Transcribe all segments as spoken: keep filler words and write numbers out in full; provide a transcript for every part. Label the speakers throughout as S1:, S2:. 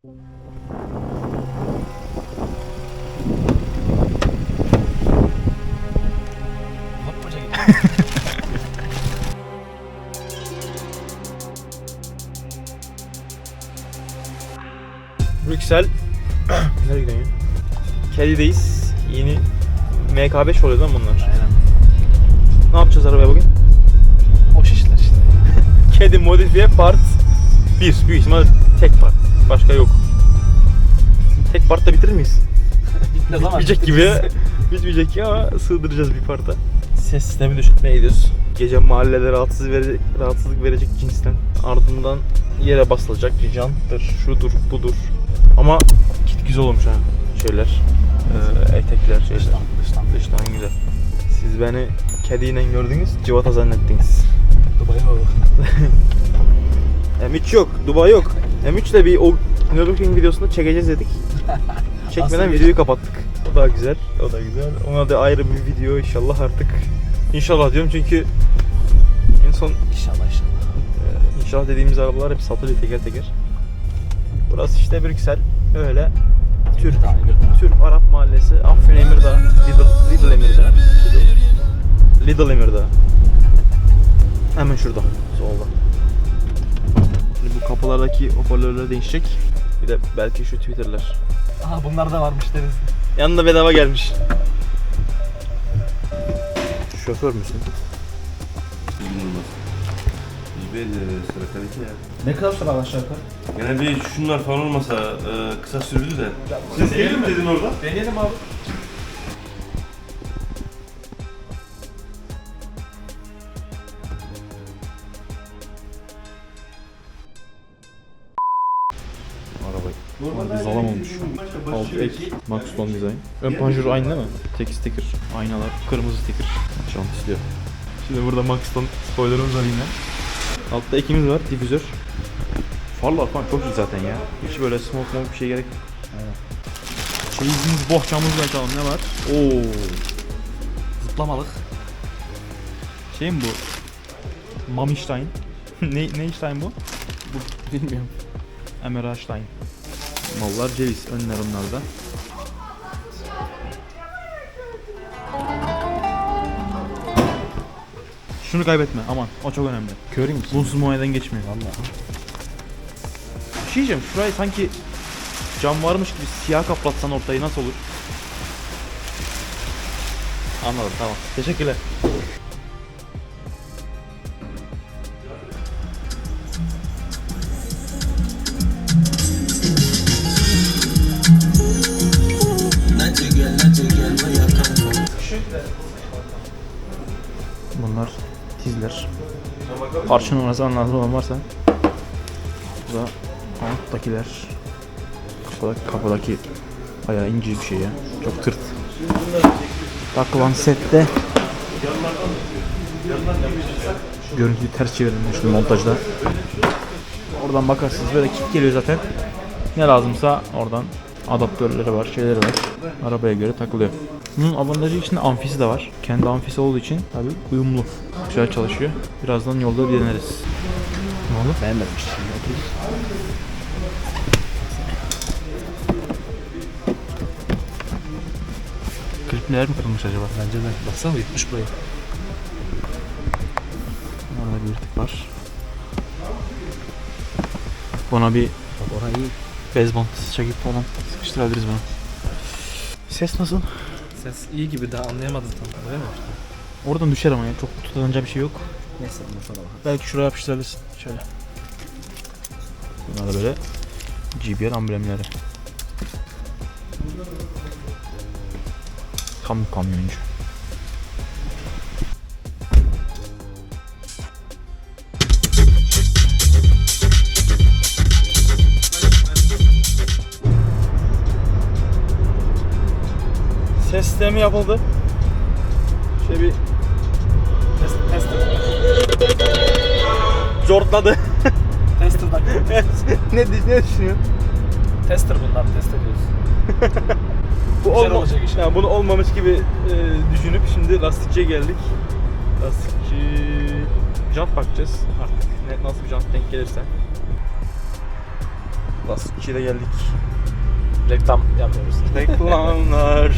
S1: Hoppaca gidiyor.
S2: Brüksel. Nereye gidiyorsun ya? Kedi'deyiz. Yeni M K beş oluyor lan bunlar.
S1: Aynen.
S2: Ne yapacağız arabaya bugün?
S1: Boş işler işte.
S2: Kedi modifiye part bir. Büyük ihtimal tek part. Başka yok. Tek partta bitirir miyiz?
S1: Bitmez ama.
S2: Bitmeyecek gibi. Bitmeyecek gibi ama sığdıracağız bir parta. Ses sistemi düşürtmeye gidiyoruz. Gece mahallede rahatsız verecek, rahatsızlık verecek cinsten. Ardından yere basılacak. Janttır, şudur, budur. Ama kit güzel olmuş ha. Şeyler. Ee, etekler, şeyler.
S1: Dıştan, dıştan.
S2: Dıştan güzel. Siz beni kediyle gördünüz, civata zannettiniz.
S1: Dubai'ye bak.
S2: M üç yok, Dubai yok. M üç ile bir o Nürburgring videosunu çekeceğiz dedik. Çekmeden
S1: Aslında
S2: videoyu kapattık. O da güzel, o da güzel. Ona da ayrı bir video inşallah artık. İnşallah diyorum çünkü en son
S1: İnşallah inşallah.
S2: e, inşallah dediğimiz arabalar hep satılıyor teker teker. Burası işte Brüksel. Öyle Türk,
S1: Bir daha, bir daha.
S2: Türk Arap mahallesi. Afyon Emirdağ, Lidl, Lidl Emirdağ. Lidl, Lidl Emirdağ. Hemen şurada, solda. Şimdi bu kapılardaki hoparlörler değişecek. Bir de belki şu Twitter'lar.
S1: Aha bunlar da varmış deriz.
S2: Yanında bedava gelmiş. Şoför müsün?
S1: Ne kadar süre aşağı yukarı?
S3: Yani bir şunlar falan olmasa e, kısa sürdü de. Siz gelir mi dedin orada?
S1: Deneyelim abi.
S2: Arabayı. Zalam olmuş. Alt ek, Maxton Design. Ön panjur aynı değil mi? Tek sticker, aynalar, kırmızı sticker. Şant istiyor. Şimdi burada Maxton spoilerımız var yine. Altta ekimiz var, difüzör. Farlar falan çok iyi zaten ya. Hiç böyle smoke smoke bir şey gerek yok. Çeyizimiz, bohçamızla açalım, ne var? Oo.
S1: Zıplamalık.
S2: Şey mi bu? Mamistein. ne, ne Stein bu?
S1: Bu bilmiyorum.
S2: Emerstein. Mallar ceviz, önler onlarda. Şunu kaybetme, aman, o çok önemli.
S1: Köreyim misin?
S2: Bunsuz muayeneden geçmiyor.
S1: Valla.
S2: Bir şey diyeceğim, şurayı sanki cam varmış gibi siyah kaplatsan ortayı nasıl olur? Anladım, tamam. Teşekkürler. Bunlar tizler. Parça numarası lazım olan varsa. Bu da alttakiler. Kapıdaki, kapıdaki bayağı ince bir şey ya. Çok tırt. Takılan sette görüntüyü ters çevirdim şu montajda. Oradan bakarsınız böyle kit geliyor zaten. Ne lazımsa oradan adaptörleri var, şeyleri var. Arabaya göre takılıyor. Bunun avantajı içinde amfisi de var. Kendi amfisi olduğu için tabii uyumlu. Güzel çalışıyor. Birazdan yolda bir deneriz. Ne oldu?
S1: Beğenmedim işte. Otur.
S2: Klipler mi kırılmış acaba?
S1: Bence de. Baksana yutmuş burayı.
S2: Orada bir yırtık var. Buna bir
S1: Bak orayı iyi.
S2: bez bant çekip falan sıkıştırabiliriz bunu. Ses nasıl?
S1: Ses iyi gibi daha anlayamadım tam. Öyle mi?
S2: Oradan düşer ama ya. Çok tutunacak bir şey yok.
S1: Neyse bundan sonra bakalım.
S2: Belki şuraya yapıştırabilirsin. Şöyle. Bunlar da böyle G B R amblemleri. Tam kamyoncu. Ses sistemi yapıldı. Şöyle bir
S1: Test, tester.
S2: zortladı.
S1: Tester'dan.
S2: ne, ne düşünüyorsun?
S1: Tester bunlar. Test ediyoruz.
S2: Bu
S1: Güzel
S2: olma-
S1: olacak inşallah.
S2: yani bunu olmamış gibi e, düşünüp şimdi lastikçiye geldik. Lastikçi jant bakacağız artık. Ne, nasıl bir jant denk gelirse. Lastikçiye de geldik.
S1: Reklam yapmıyoruz.
S2: Reklamlar.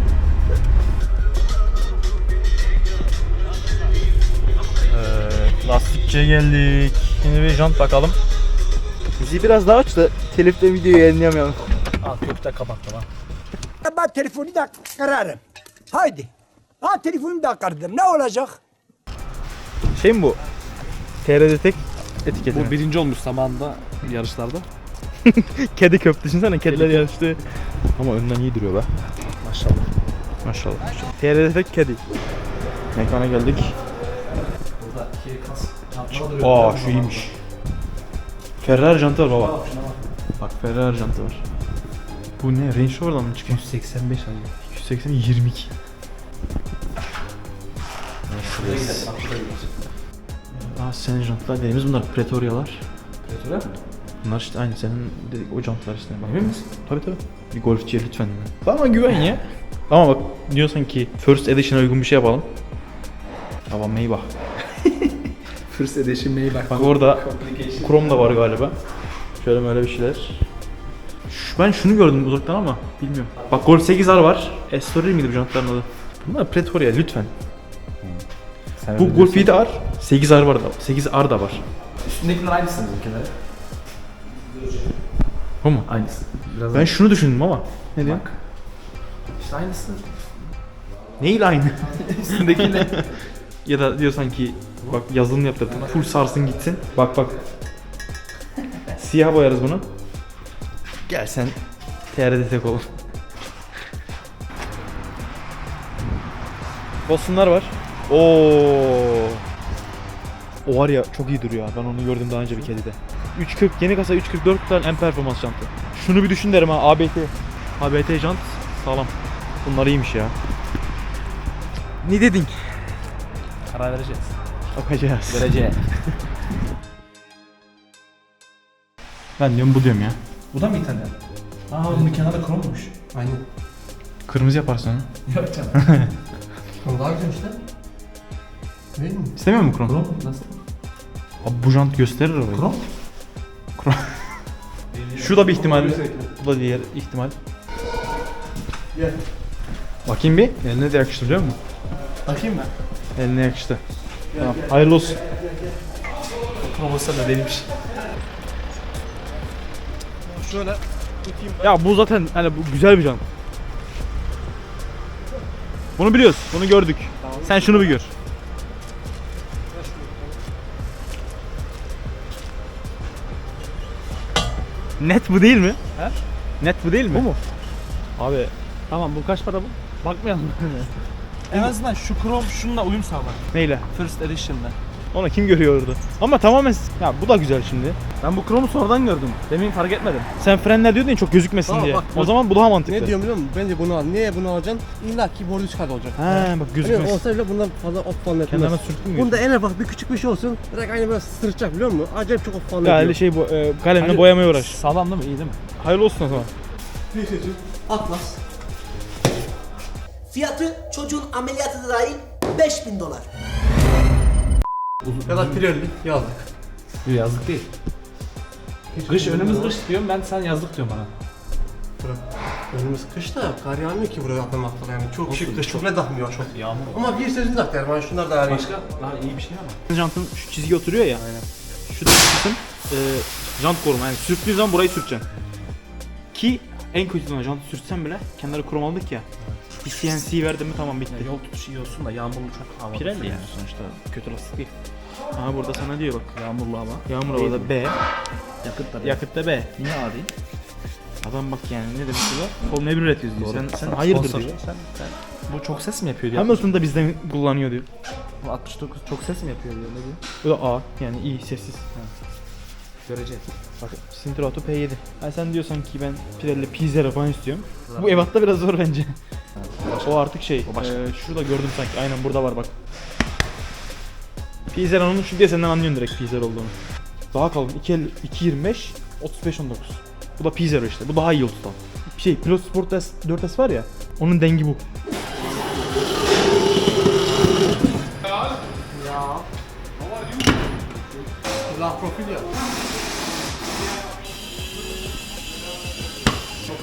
S2: Evet, lastikçiye geldik. Şimdi bir jant bakalım. Bizi biraz daha aç da telifle videoyu yayınlayamayalım.
S1: Al kökte kapattım ha.
S4: Ben telefonu da kırarım. Haydi. Ha telefonu da kırdım. Ne olacak?
S2: Şey mi bu? T R D tek etiketi
S1: Bu
S2: mi?
S1: birinci olmuş zamanında yarışlarda.
S2: Kedi köptü. Düşünsene kediler yarıştı. Ama önden iyi duruyor be.
S1: Maşallah.
S2: Maşallah. T R D tek kedi. Mekana geldik.
S1: Burada iki kas çantala duruyor.
S2: Aa şu iyiymiş. Ferrari jantı var baba. Bak Ferrari jantı var. Bu ne? Range Rover'dan mı çıkıyor?
S1: yüz seksen beş ayı.
S2: iki yüz seksen yirmi iki.
S1: Mercedes.
S2: Aa senin jantlar dediğimiz bunlar Pretoria'lar.
S1: Pretöre mi?
S2: Bunlar işte aynı senin dedik o jantlar işte. Bak, emin misin? Tabii tabii. Bir golfçiye lütfen. Bana güven ya. Ama bak diyorsan ki First Edition'a uygun bir şey yapalım. Tamam Maybach.
S1: First Edition Maybach.
S2: Bak orada Chrome da var galiba. Şöyle böyle bir şeyler. Şu, ben şunu gördüm uzaktan ama bilmiyorum. Bak Golf sekiz R var. Estoril miydi bu jantların adı? Bunlar Pretoria lütfen.
S1: Sen
S2: Bu Golf yedi R, sekiz R var da. sekiz R da var.
S1: Üstündekiler aynısı bizimkiler.
S2: O mu?
S1: Aynısı. Biraz
S2: Ben şunu düşündüm ama. Ne diyorsun?
S1: Bak. İşte aynısı.
S2: Neyle aynı?
S1: Üstündeki ne?
S2: Ya da diyorsan ki bak yazılım yaptırdım. Full sarsın gitsin. Bak bak. Siyah boyarız bunu. Gel sen T R D tek ol. Boston'lar var. Oo. O var ya çok iyi duruyor. Ben onu gördüm daha önce bir kedide. üç kırk yeni kasa üç kırk dört tane en performans jantı. Şunu bir düşün derim ha A B T. A B T jant sağlam. Bunlar iyiymiş ya. Ne dedin?
S1: Karar vereceğiz.
S2: Bakacağız.
S1: Vereceğiz.
S2: Ben diyorum bu diyorum ya.
S1: Bu da mı İtalyan? Aa bunun kenarı krommuş.
S5: Aynen.
S2: Kırmızı yaparsın onu.
S1: Yok canım.
S5: Krom daha güzel işte. Değil mi?
S2: İstemiyor musun krom?
S1: Krom nasıl?
S2: Abi bu jant gösterir arabayı.
S1: Krom?
S2: Şu da bir ihtimal. Bu da diğer ihtimal. Bakayım bir. Eline de yakıştı biliyor musun?
S1: Bakayım ben.
S2: Eline yakıştı. Tamam. Hayırlı olsun.
S1: Krom olsa da benimmiş.
S5: Şöyle.
S2: Ya bu zaten hani bu güzel bir jant. Bunu biliyoruz. Bunu gördük. Sen şunu bir gör. Net bu değil mi?
S1: He?
S2: Net bu değil mi?
S1: Bu mu?
S2: Abi
S1: Tamam bu kaç para bu? Bakmayalım. En azından şu krom şununla uyum sağlar.
S2: neyle?
S1: First Edition'da.
S2: Onu kim görüyor orada? Ama tamamen ya bu da güzel şimdi.
S1: Ben bu kromu sonradan gördüm. Demin fark etmedim.
S2: Sen frenler diyordun ya çok gözükmesin
S5: Aa,
S2: diye.
S5: bak,
S2: o
S5: bak.
S2: zaman bu daha mantıklı.
S5: Ne diyorum biliyor musun? Bence bunu al. Niye bunu alacaksın? İlla ki borcu çıkart olacak.
S2: He bak
S5: Hani
S2: gözükmez.
S5: olsa bile bundan fazla op falan etmez.
S2: Kenarına sürttün mü?
S5: Bunda en ufak bir küçük bir şey olsun. Direkt aynı böyle sırıtacak biliyor musun? Acayip çok op falan
S2: Ya öyle
S5: ediyor.
S2: şey bu e, kalemle
S1: Hadi.
S2: boyamaya uğraş.
S1: Sağlam değil mi? İyi değil mi?
S2: Hayırlı olsun o zaman.
S5: Atlas.
S6: Fiyatı çocuğun ameliyatı da dahil beş bin dolar.
S5: Ya da Pirelli yazdık.
S1: Yok yazlık değil. Kış önümüz kış diyorum ben sen yazlık diyorum bana.
S5: Önümüz kışta kar yağmıyor ki buraya atlamak yani. Çok şık kış çok ne takmıyor çok.
S1: Yağmur.
S5: Ama bir sözünü tak yani. Şunlar da yani.
S1: Başka daha iyi bir şey ama.
S2: Jantın şu çizgi oturuyor ya. Aynen. Şu da kısım e, jant koruma. Yani sürttüğün zaman burayı sürteceksin. Ki en kötü zaman jantı sürtsen bile kenarı krom aldık ya. Bir C N C verdim mi tamam bitti.
S1: Ya yol tutuşu iyi olsun da yağmurlu çok havalı.
S2: Pirelli yani sonuçta kötü lastik değil. Aha burada sana diyor bak.
S1: Yağmurlu hava.
S2: Yağmur havada B,
S1: Yakıt da.
S2: yakıtta B.
S1: Niye A değil?
S2: Adam bak yani ne demek bu? Formula bir üretiyoruz diyor. Sen, sen hayırdır diyor.
S1: Sen, sen, bu çok ses mi yapıyor diyor.
S2: Hamilton da bizden kullanıyor diyor.
S1: Bu altmış dokuz çok ses mi yapıyor diyor. Ne diyor?
S2: Bu da A yani iyi sessiz.
S1: Göreceğiz.
S2: Bak Sintrato P yedi. Ha sen diyorsan ki ben Pirelli P zero falan istiyorum. Bu ebatta biraz zor bence. O artık şey.
S1: O başka.
S2: E, şurada gördüm sanki. Aynen burada var bak. P zero'nun şu diye senden anlıyorsun direkt P zero olduğunu. Daha kalın. iki yirmi beş otuz beş on dokuz. Bu da P zero işte. Bu daha iyi yol tutan. Şey Pilot Sport S, dört S var ya. Onun dengi bu.
S5: La profil ya.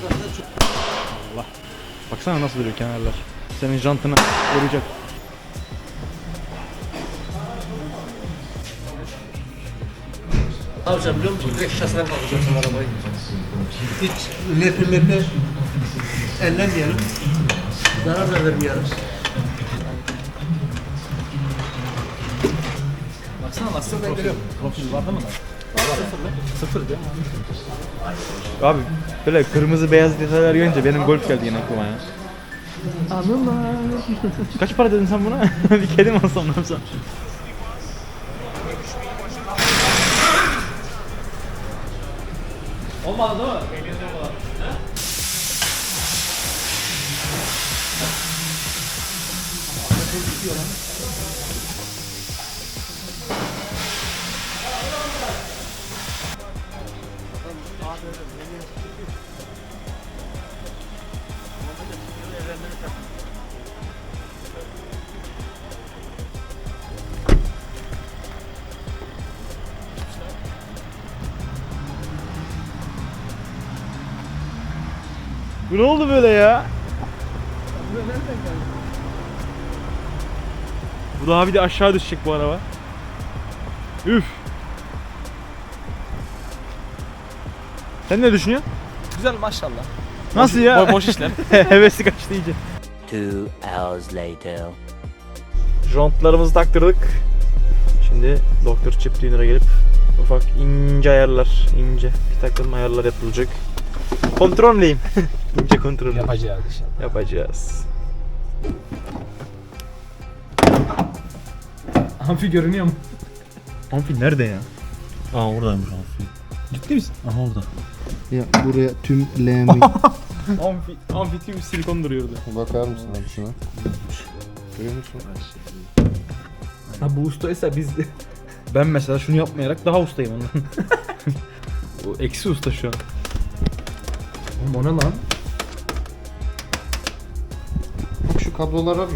S2: Allah. Baksana nasıl duruyor kenarlar. Senin jantını koruyacak.
S5: Ne yapacağım biliyor musun? Direkt şaseden kalkacaksın arabayı. Hiç lepi mepi ellemeyelim. Zarar da vermeyelim.
S1: Baksana lastik profil. Profil var değil mi lan? Var sıfır lan. Sıfır değil mi?
S2: Abi böyle kırmızı beyaz detaylar görünce benim golf geldi yine aklıma ya. Anılar. Kaç para dedin sen buna? Bir kedi mi alsam ne yapsam?
S1: Olmadı değil mi?
S2: Bu ne oldu böyle ya? Bu daha bir de aşağı düşecek bu araba. Üf. Sen ne düşünüyorsun?
S1: Güzel maşallah.
S2: Nasıl ya?
S1: Boş, boş işler.
S2: Hevesi kaçtı iyice.
S7: Two hours later.
S2: Jantlarımızı taktırdık. Şimdi doktor chip tuner'a gelip ufak ince ayarlar, ince bir takım ayarlar yapılacak. Kontrolleyim. İnce kontrol.
S1: Yapacağız inşallah.
S2: Yapacağız.
S1: Amfi görünüyor mu?
S2: Amfi nerede ya?
S3: Aa oradaymış amfi.
S2: Ciddi misin?
S3: Aha orada.
S8: Ya buraya tüm L'mi
S2: Amfi, amfi tüm silikon duruyordu.
S8: bakar mısın abi şuna? Görüyor musun?
S1: Ha bu ustaysa biz de.
S2: Ben mesela şunu yapmayarak daha ustayım ondan. O eksi usta şu an.
S1: Oğlum o ne lan?
S8: Bak şu kablolar var mı?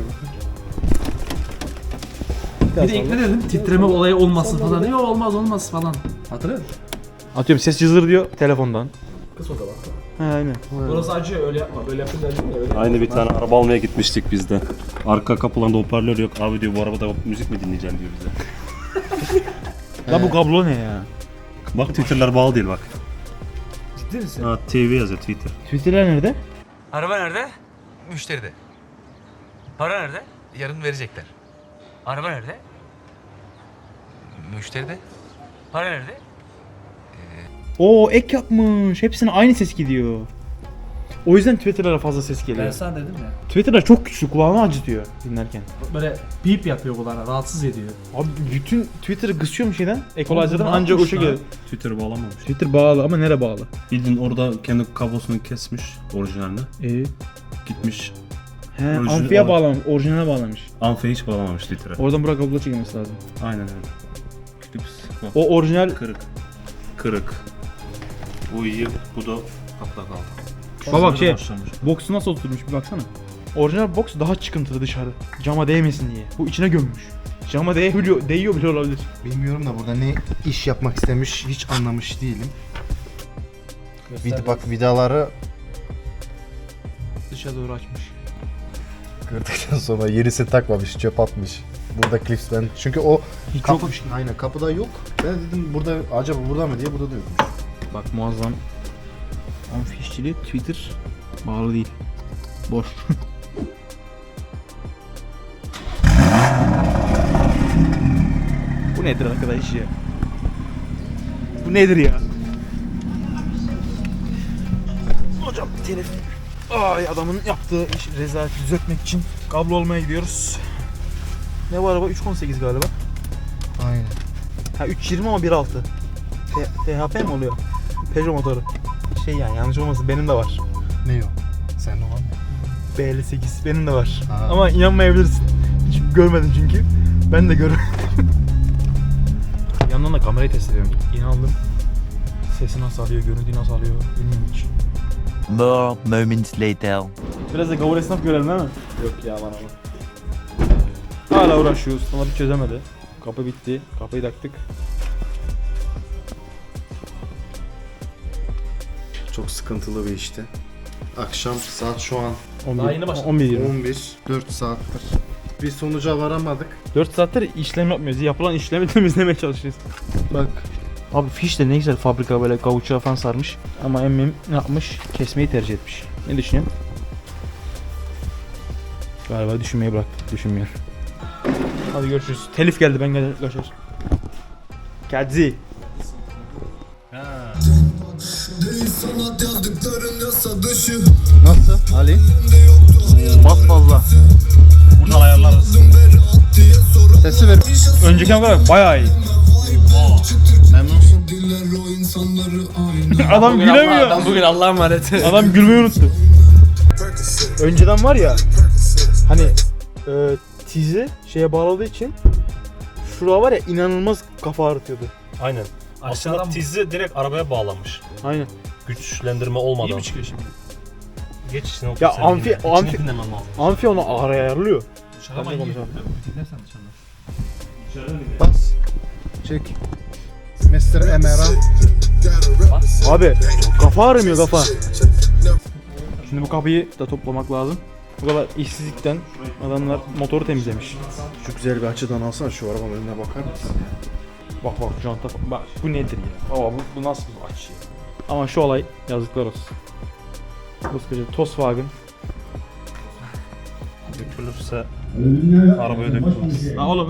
S1: Bir de ilk ne dedim? Titreme olayı olmasın falan. Yok olmaz olmaz falan. Hatırlıyor musun?
S2: Atıyorum ses cızır diyor telefondan.
S1: Kız o zaman.
S2: He aynen.
S1: Burası acıyor öyle yapma. Böyle yapınca acıyor ya. Öyle
S3: Aynı bir tane araba almaya gitmiştik biz de. Arka kapılarında hoparlör yok. Abi diyor bu arabada müzik mi dinleyeceğim diyor bize.
S2: La bu kablo ne ya?
S3: Bak Twitter'lar bağlı değil bak.
S1: Ciddi misin?
S3: Ha T V yazıyor Twitter.
S2: Twitter'ler nerede?
S9: Araba nerede? Müşteride. Para nerede? Yarın verecekler. Araba nerede? Müşteride. Para nerede?
S2: Oo ek yapmış. Hepsine aynı ses gidiyor. O yüzden Twitter'lara fazla ses
S1: Ben
S2: geliyor.
S1: sana dedim ya.
S2: Twitter'lar çok güçlü, kulağını acıtıyor dinlerken.
S1: Böyle bip yapıyor kulağına. Rahatsız ediyor.
S2: Abi bütün Twitter'ı kısıyor mu şeyden? Equalizer'dan
S1: ne
S2: ancak o
S1: yapmış
S2: şekilde.
S1: lan?
S3: Twitter bağlamamış.
S2: Twitter bağlı ama nereye bağlı?
S3: Bildiğin orada kendi kablosunu kesmiş orijinalini.
S2: Ee,
S3: Gitmiş.
S2: he,
S3: Orijinal-
S2: amfiye bağlamış, orijinale bağlamış.
S3: Amfiye hiç bağlamamış Twitter'a.
S2: Oradan buraya kablo çekilmesi lazım.
S3: Aynen öyle. Klips. Bak.
S2: O orijinal.
S3: Kırık. Kırık. Bu iyi, bu da kapta kaldı.
S2: Bak bak şey,
S3: Başlamış.
S2: box'u nasıl oturmuş bir baksana. Orijinal box daha çıkıntılı dışarı. Cama değmesin diye. Bu içine gömmüş. Cama değiyor, değiyor bile olabilir.
S8: Bilmiyorum da burada ne iş yapmak istemiş hiç anlamış değilim. Vid bak vidaları
S2: Dışa doğru açmış.
S8: kırdıktan sonra yenisini takmamış, çöp atmış. Burada clips ben çünkü o
S2: Hiç
S8: kapı,
S2: yokmuş.
S8: aynen kapıda yok. Ben dedim burada acaba burada mı diye burada da yokmuş.
S2: Bak muazzam. Amfi işçiliği Twitter bağlı değil. Boş. Bu nedir arkadaş ya? Bu nedir ya? Hocam telef. Ay adamın yaptığı iş rezaleti düzeltmek için kablo olmaya gidiyoruz. Ne bu araba? üç on sekiz galiba.
S8: Aynen.
S2: Ha üç yirmi ama bir altı. T H P mi oluyor? Peugeot motoru. Şey yani yanlış olmasın benim de var.
S8: Ne o? Sen o var mı?
S2: B elli sekiz benim de var.
S8: Aa.
S2: Ama inanmayabilirsin. Hiç görmedim çünkü. Ben de görmedim. Yandan da kamerayı test ediyorum. Yeni aldım. Sesi nasıl alıyor, görüntüyü nasıl alıyor bilmiyorum hiç.
S7: More moments later.
S2: Biraz da gavur esnaf görelim değil mi? Yok ya bana bak. Hala uğraşıyoruz. Ama bir çözemedi. Kapı bitti. Kapıyı taktık.
S8: Çok sıkıntılı bir işti. Akşam saat şu an
S1: Daha yeni başladı.
S2: on bir yirmi.
S8: on bir. dört saattir. Bir sonuca varamadık.
S2: dört saattir işlem yapmıyoruz. Yapılan işlemi temizlemeye çalışıyoruz. Bak. Abi fiş de ne güzel fabrika böyle kavuçuğa falan sarmış. Ama emmim ne yapmış? Kesmeyi tercih etmiş. Ne düşünüyorsun? Galiba düşünmeyi bıraktık. Düşünmüyor. Hadi görüşürüz. Telif geldi, ben gel kaçar. Kadzi.
S8: Nasıl Ali?
S2: Bas fazla.
S3: Buradan ayarlarız.
S8: Sesi ver.
S2: Önceki kadar bayağı iyi.
S8: Memnunsun.
S2: Adam gülemiyor.
S1: Adam bugün Allah'a emanet.
S2: Adam gülmeyi unuttu. Önceden var ya, hani e, tizi şeye bağladığı için şura var ya, inanılmaz kafa ağrıtıyordu.
S3: Aynen. Aslında
S1: Aşağıdan-
S3: tizi direkt arabaya bağlanmış.
S2: Aynen.
S3: Güçlendirme
S1: İyi
S3: olmadan.
S1: mi çıkıyor şimdi?
S3: Geç içine otur.
S2: Ya
S3: sen
S2: amfi-
S3: dinle.
S2: amfi-
S3: İçini dinlemen lazım.
S2: Amfi onu araya ayarlıyor.
S1: Dışarıda
S2: Ben de
S1: iyi
S2: konuşamam.
S1: biliyor musun? Dinlersen dışarıda.
S8: Bas. Çek. mister Emera.
S2: Abi kafa ağrımıyor kafa. Şimdi bu kapıyı da toplamak lazım. Bu kadar işsizlikten adamlar motoru temizlemiş.
S8: Şu güzel bir açıdan alsana, şu arabanın önüne bakar mısın?
S2: Bak bak janta bak, bu nedir ya? Aa, bu, bu nasıl bir açı ya? Ama şu olay yazıklar olsun. Koskoca Volkswagen.
S3: Dökülürse arabaya dökülmez.
S2: La oğlum.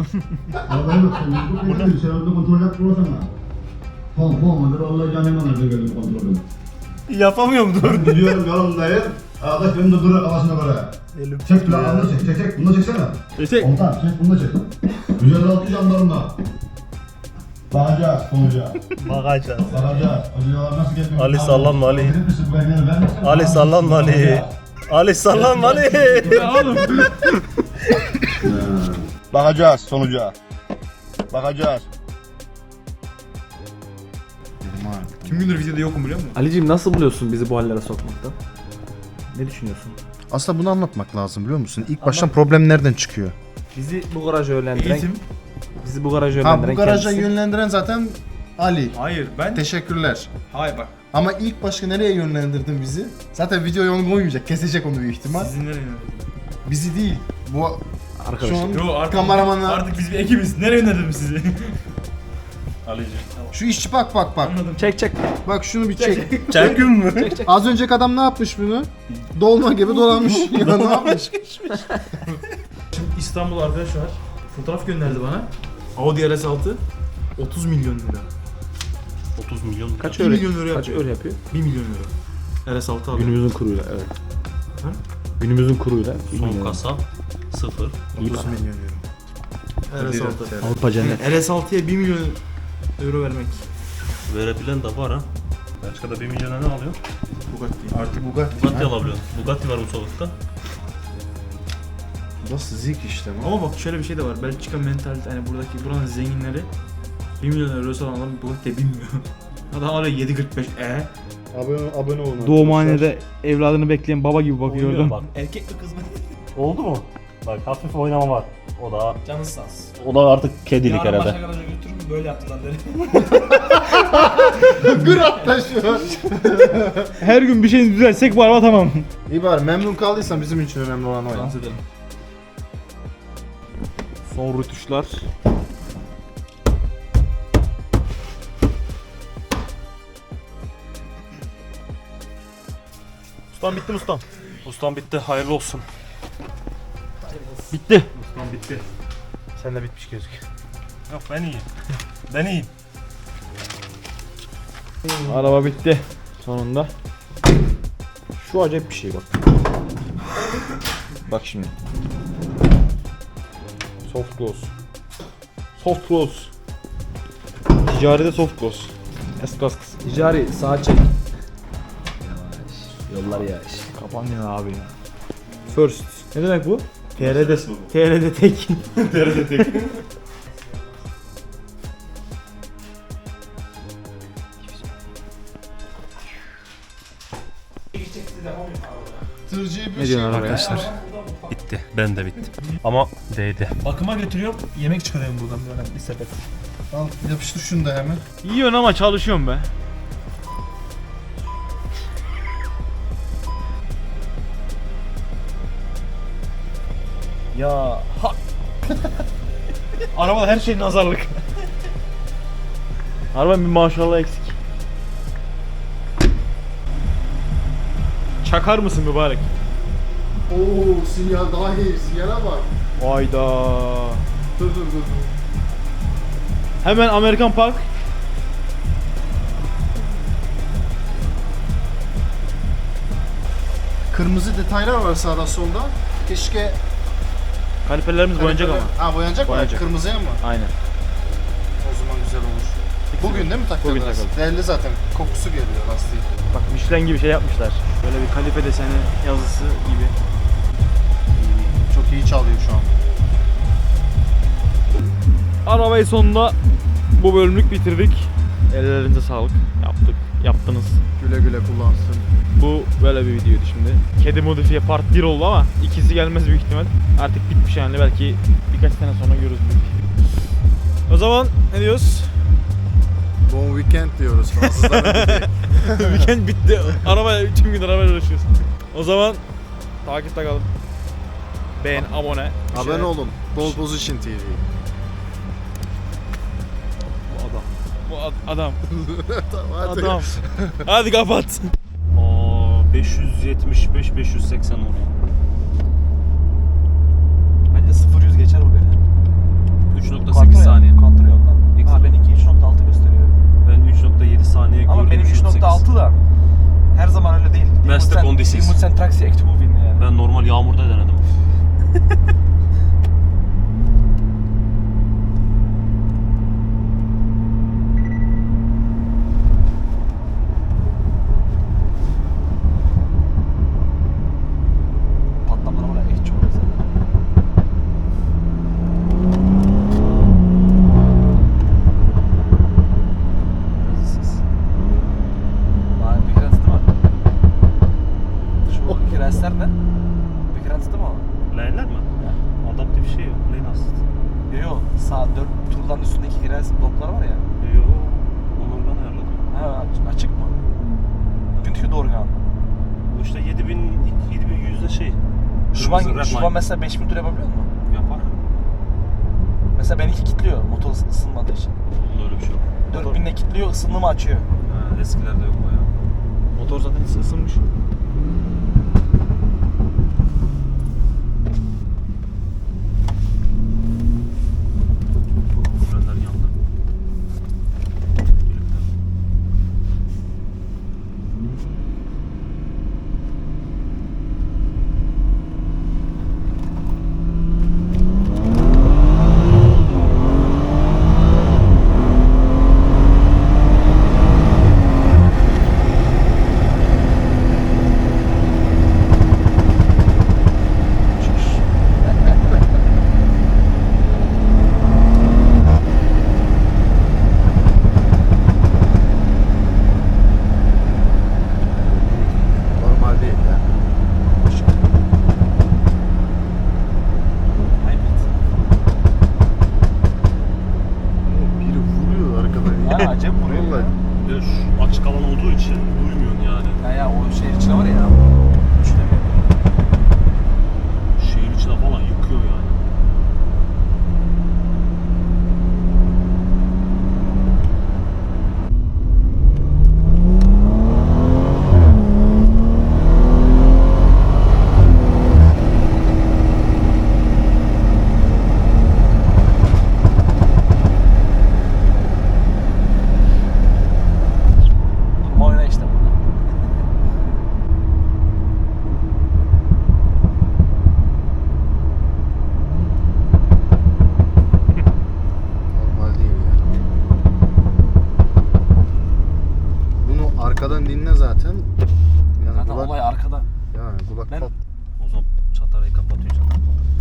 S3: Yapamıyorum dur.
S10: Gidiyorum yolundayım. Arkadaş benim de duruyor kafasına göre. Çek lan, bunu çek, çek, çek. Bunu da çeksene.
S2: Çek.
S10: Komutan, çek, bunu da çek. yüz elli altı jandarma. Bakacağız sonuca.
S3: Bakacağız.
S10: Bakacağız. Hocalar nasıl gelmiyor?
S3: Ali sallanma Ali.
S10: Bilir misin bu emniyeti ver misin?
S3: Ali sallanma Ali. Ali sallanma Ali.
S10: Bakacağız sonuca. Bakacağız.
S2: Tüm gündür videoda yokum, biliyor musun?
S1: Ali'cim nasıl buluyorsun bizi bu hallere sokmakta?
S2: Ne düşünüyorsun?
S8: Aslında bunu anlatmak lazım, biliyor musun? İlk baştan problem nereden çıkıyor?
S1: Bizi bu garaja yönlendiren...
S2: Eğitim.
S1: Bizi bu garaja
S8: Ha,
S1: yönlendiren
S8: bu garaja
S1: kendisi.
S8: yönlendiren zaten Ali.
S2: Hayır, ben...
S8: Teşekkürler.
S2: Hayır bak.
S8: Ama ilk başta nereye yönlendirdin bizi? Zaten videoya onu koymayacak, kesecek onu büyük ihtimal.
S2: Sizin nereye?
S8: Bizi değil. Bu
S1: Arkadaşlar.
S8: şu an
S2: Yo, artık,
S8: kameramanlar.
S2: artık biz bir ekibiz. Nereye yönlendirdim sizi?
S3: Ali'ciğim.
S8: Şu işçi bak bak bak.
S2: Anladım.
S1: Çek çek.
S8: Bak şunu bir çek.
S3: Çekün mü?
S8: Az önceki adam ne yapmış bunu? Dolma gibi dolanmış. Ya ne yapmış?
S2: Şimdi İstanbul arkadaş var. Fotoğraf gönderdi bana. Audi R S altı otuz milyon lira.
S3: otuz milyon.
S1: Kaç
S2: bir
S1: öyle?
S2: milyon lira
S1: Kaç
S2: yapıyor.
S1: öyle yapıyor?
S2: bir milyon lira. R S altı aldım.
S1: Günümüzün kuruyla evet.
S2: Ha?
S1: Günümüzün kuruyla.
S3: Son kasa sıfır.
S8: otuz milyon euro.
S2: R S altı.
S1: Avrupa cennet.
S2: R S altıya bir milyon euro vermek.
S3: Verebilen de var ha. Belçika'da bir milyona ne alıyor?
S2: Bugatti.
S8: Artık Bugatti.
S3: Bugatti alabiliyorsun. Bugatti var bu sokakta.
S8: Nasıl zik işte bu?
S2: Ama bak şöyle bir şey de var. Belçika mentalite, hani buradaki buranın zenginleri bir milyon eurosu olan adam Bugatti'ye binmiyor. Adam hala yedi kırk beş e.
S8: Abone, abone olun.
S2: Doğumhanede evladını bekleyen baba gibi bakıyor oradan.
S3: Bak.
S2: Erkek mi kız mı?
S3: Oldu mu? Bak hafif oynama var. O da
S2: Canı sağ olsun.
S3: o da artık kedilik
S2: Yarın başka
S3: herhalde.
S2: garaja götürürüm, böyle yaptılar derim.
S8: Gır atla şu.
S2: Her gün bir şey düzelsek bu araba tamam.
S8: İyi bari, memnun kaldıysan bizim için önemli olan o ya.
S2: Dans edelim. Son rütuşlar.
S3: Ustam bitti mi ustam? Ustam bitti. Hayırlı olsun.
S2: Bitti.
S3: Ustam bitti.
S2: Sen de bitmiş gözüküyor.
S3: Yok ben iyiyim. Ben iyiyim.
S2: Araba bitti. Sonunda. Şu acayip bir şey bak. Bak şimdi. Soft close. Soft close. Ticaride soft close. Eskas kız.
S1: Ticari sağa çek. Yollar yavaş.
S2: Kapan ya abi ya. First. Ne demek bu? T R'de T R'de tek.
S3: T R'de tek.
S8: Tırcıyı bir
S2: Ne diyorsun
S8: şey
S2: arkadaşlar?
S3: Bitti. Ben de bitti. Ama değdi.
S2: Bakıma götürüyorum. Yemek çıkarıyorum buradan böyle bir sepet.
S8: Al yapıştır şunu da hemen.
S2: Yiyorsun ama çalışıyorum be. Ya ha. Arabada her şey nazarlık. Araba bir maşallah eksik. Çakar mısın mübarek?
S8: Oo sinyal daha iyi. Sinyale bak.
S2: Hayda.
S8: Dur dur dur. dur.
S2: Hemen Amerikan Park.
S8: Kırmızı detaylar var sağda solda. Keşke
S2: Kaliperlerimiz boyanacak ama.
S8: Ha boyanacak mı?
S2: Boyanacak.
S8: Kırmızıya mı?
S2: Aynen.
S8: O zaman güzel olur. Bugün değil mi takacağız?
S2: Bugün takalım.
S8: Değerli zaten. Kokusu geliyor lastiği.
S2: Bak Michelin gibi şey yapmışlar. Böyle bir kalife deseni yazısı gibi.
S8: Çok iyi çalıyor şu an.
S2: Arabayı sonunda bu bölümlük bitirdik. Ellerinize sağlık. Yaptık. Yaptınız.
S8: Güle güle kullansın.
S2: Bu böyle bir videoydu şimdi. Kedi modifiye part bir oldu ama ikisi gelmez büyük ihtimal. Artık bitmiş yani, belki birkaç sene sonra görürüz büyük. O zaman ne diyoruz?
S8: Bon weekend diyoruz Fransızlara.
S2: Weekend bitti. Arabaya tüm gün arabayla uğraşıyoruz. O zaman takipte kalın. Beğen, abone.
S8: Abone olun. Pole Position T V.
S2: Bu adam. Bu ad- adam.
S8: Tamam, hadi.
S2: Adam. Hadi kapat.
S3: Aa, beş yüz yetmiş beş beş yüz seksen oluyor.
S1: Bence sıfır yüz geçer bu beni.
S3: üç nokta sekiz saniye.
S1: Kontrol ondan. Ha benimki üç nokta altı gösteriyor.
S3: Ben üç nokta yedi saniye gördüm.
S1: Ama benim üç nokta altı da her zaman öyle değil.
S3: Beste kondisiz.
S1: Dimutsen traksi ektivuvin yani.
S3: Ben normal yağmurda denedim.
S1: Patlamalar var ya, hiç çok güzel. Daha Bekrens değil mi? Şu Bekrensler ne? Bekrens değil mi o?
S3: Leğenler mi? Adaptif bir şey yok. Lane assist.
S1: Yok yok. Sağ dört turdan üstündeki Bekrens bloklar var ya.
S3: Yok. Onları ben ayarladım.
S1: Ha, açık mı? Günkü organ.
S3: Bu işte yedi bin yedi bin yüzde şey.
S1: Şu an,
S3: Kırmızı
S1: şu
S3: red
S1: an
S3: line.
S1: mesela beş bin tur yapabiliyor musun?
S3: Yapar.
S1: Mesela benimki kilitliyor motor ısı- ısınmadığı için.
S3: Bunda öyle bir şey yok.
S1: dört binle kilitliyor, ısınımı açıyor.
S3: Ha, eskilerde yok o ya.
S2: Motor zaten ısınmış.
S3: Frenler yandı. Birlikte.
S8: Normal değil ya. Biri vuruyor arkadan.
S1: Ha, acayip vuruyor ya.
S8: Vallahi.
S3: Bir de şu açık alan olduğu için duymuyorsun yani.
S1: Ya ya o şehir içine var ya. Düşünemiyorum.
S3: Şehir içine falan yıkıyor yani.
S1: Durma oyna işte burada.
S8: Normal değil ya. Bunu arkadan dinle zaten. Yani
S1: Zaten
S8: kulak,
S1: olay arkada.
S8: yani kulak
S1: Ben-
S8: pat.
S3: O zaman çatarayı kapatıyor zaten.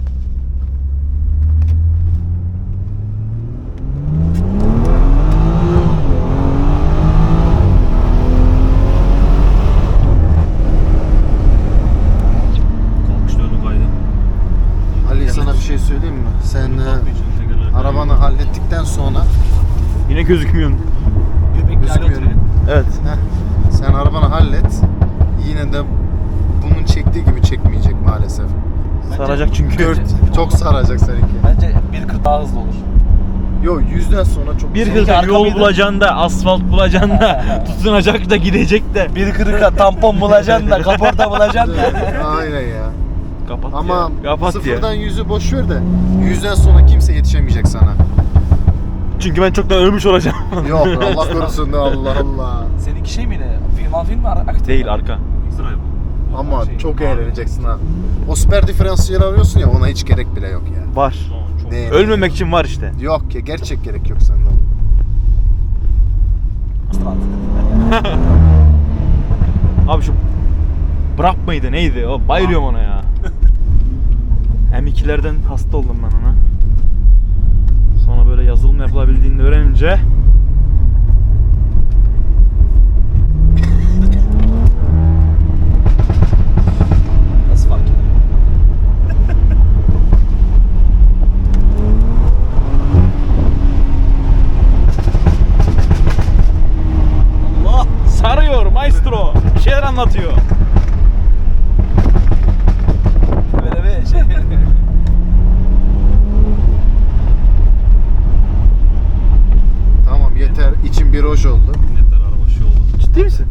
S3: Kalkışta önü kaydı.
S8: Ali sana bir şey söyleyeyim mi? Sen e,
S3: Kalkmayacaksın, tekerler
S8: arabanı hallettikten sonra
S2: Yine gözükmüyorsun.
S1: Göbekli hale
S8: gözükmüyor.
S1: oturuyor.
S2: Evet.
S8: Heh, sen arabanı hallet. Yine de bunun çektiği gibi çekmeyecek maalesef.
S2: Saracak çünkü.
S8: Dört, çok saracak seninki.
S1: Bence bir kırk daha hızlı olur.
S8: Yo yüzden sonra çok
S2: Bir
S8: Seninki
S2: hırka
S8: arka
S2: yol
S8: mıydı?
S2: bulacaksın da, asfalt bulacaksın da, tutunacak da, gidecek de.
S1: Bir kırka tampon bulacaksın da, kaporta bulacaksın da.
S8: Aynen ya.
S2: Kapat
S8: Ama
S2: ya. Kapat
S8: sıfırdan
S2: ya.
S8: yüzü boş ver de yüzden sonra kimse yetişemeyecek sana.
S2: Çünkü ben çoktan ölmüş olacağım.
S8: Yok Allah korusun da Allah Allah.
S1: Seninki şey miydi? Film film mi? Aktif
S2: Değil,
S1: mi?
S2: arka.
S8: Ama
S1: Şey,
S8: çok
S1: abi.
S8: eğleneceksin ha. O süper diferansiyel arıyorsun ya ona hiç gerek bile yok ya.
S2: Var.
S8: Ne?
S2: Ölmemek için var işte.
S8: Yok ya gerçek gerek yok sende.
S2: Abi şu Brap mıydı neydi? O bayılıyorum ona ya. M ikilerden hasta oldum ben ona. Sonra böyle yazılım yapılabildiğini öğrenince
S1: Nasıl fark ediyor?
S2: Allah sarıyor maestro. Bir şeyler anlatıyor.
S1: Böyle bir şey.
S8: Tamam yeter içim bir hoş oldu.
S2: Ciddi misin?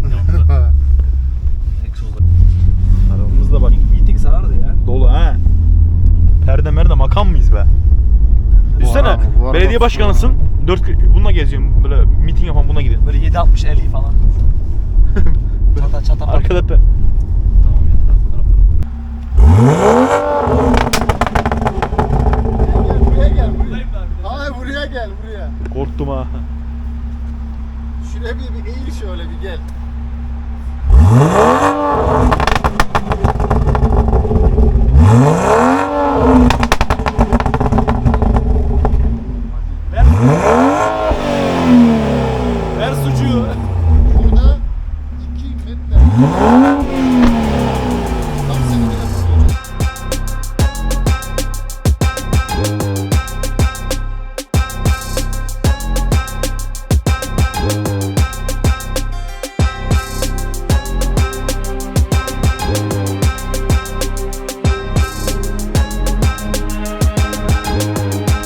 S2: Arabamızda bak
S1: Gittik sarardı ya.
S2: dolu ha. Perde merde makam mıyız be? Düşünsene
S8: araba- bu araba
S2: belediye başkanısın. Dört bununla geziyorum böyle miting yapan buna gidiyorum.
S1: Böyle yedi altmış elli falan. Çata çata.
S2: Arkada pe-